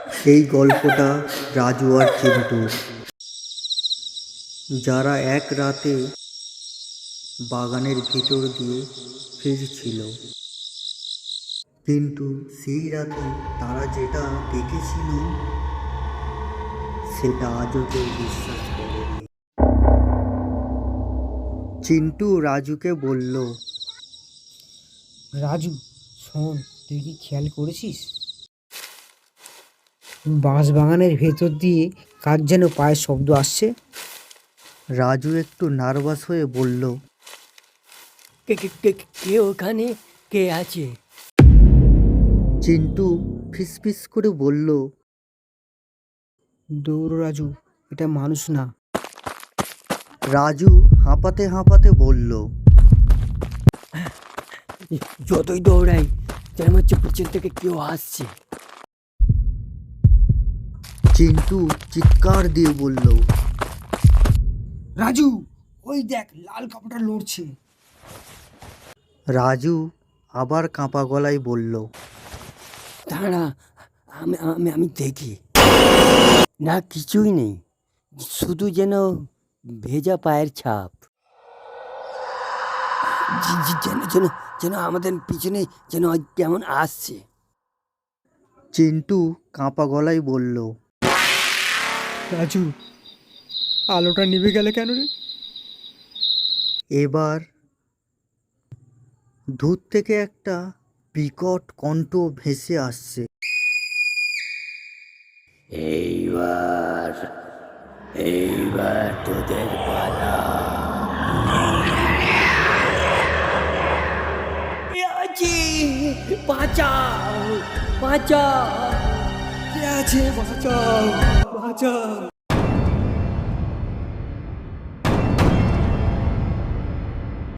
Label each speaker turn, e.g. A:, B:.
A: এই গল্পটা রাজু আর চিন্টু, যারা এক রাতে বাগানের ভিতর দিয়ে ফিরছিল, কিন্তু সেই রাতে তারা যেটা দেখেছিল সেটা আজও কেউ বিশ্বাস করেনি। চিন্টু রাজুকে বলল,
B: রাজু শোন, তুই কি খেয়াল করেছিস বাঁশবাগানের ভেতর দিয়ে কার যেন পায়ের শব্দ আসছে?
A: রাজু একটু নার্ভাস হয়ে বলল,
C: কে কে কে কে ওখানে? কে আছে?
A: চিন্টু ফিসফিস করে বলল,
B: দৌড় রাজু, এটা মানুষ না।
A: রাজু হাঁপাতে হাঁপাতে বলল,
C: যতই দৌড়াই যেন হচ্ছে পিছন থেকে কেউ আসছে।
A: চিন্টু চিৎকার দিয়ে বলল,
B: রাজু, ওই দেখ লাল কাপড়টা লড়ছে।
A: রাজু আবার কাঁপা গলায় বলল,
C: দাঁড়া, আমি আমি আমি দেখি। না, কিছুই নেই, শুধু যেন ভেজা পায়ের ছাপ। যেন যেন যেন আমাদের পিছনে যেন কেমন আসছে।
A: চিন্টু কাঁপা গলায় বলল,
B: রাজু, আলোটা নিভে গেলে কেন রে?
A: এবার দূর থেকে একটা বিকট কণ্ঠ ভেসে আসছে,
C: এইবার এইবার তোদের পালা। আছি, বাঁচাও বাঁচাও।
B: কে আছে? বাঁচাও, বাঁচাও।